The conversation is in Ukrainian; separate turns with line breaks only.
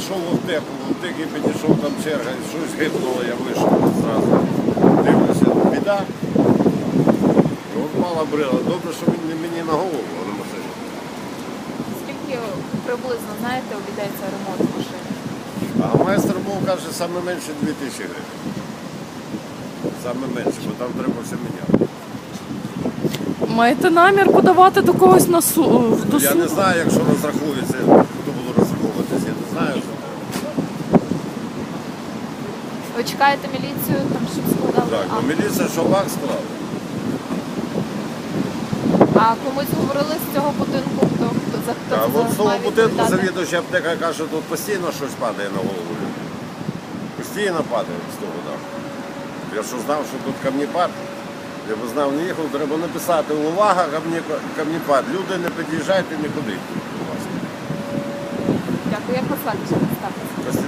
зайшов в аптеки підійшов, там черга, щось гипнуло, я вийшов зразу. Дивлюся, біда. І от мала брила. Добре, що він не мені на голову, а на машині.
Скільки приблизно, знаєте, обійдеться ремонт машини?
А майстер був, каже, саме менше 2000 гривень. Саме менше, бо там треба все міняти.
Маєте намір подавати до когось на суд?
Я не знаю, якщо розрахується, хто буде розраховуватися, я не знаю.
Ви чекаєте міліцію, там, щоб складали
Так,
акт?
ну міліція що акт склала.
А комусь говорили з цього будинку, хто
А
це
от з того
має
будинку
відповідати?
завідувача аптека каже, що тут постійно щось падає на голову. Постійно падає з того даху. Я що знав, що тут камнепад, я б знав, не їхав, треба написати увага, камнепад. Люди, не під'їжджайте нікуди.
Дякую, як вас звати, що представитися?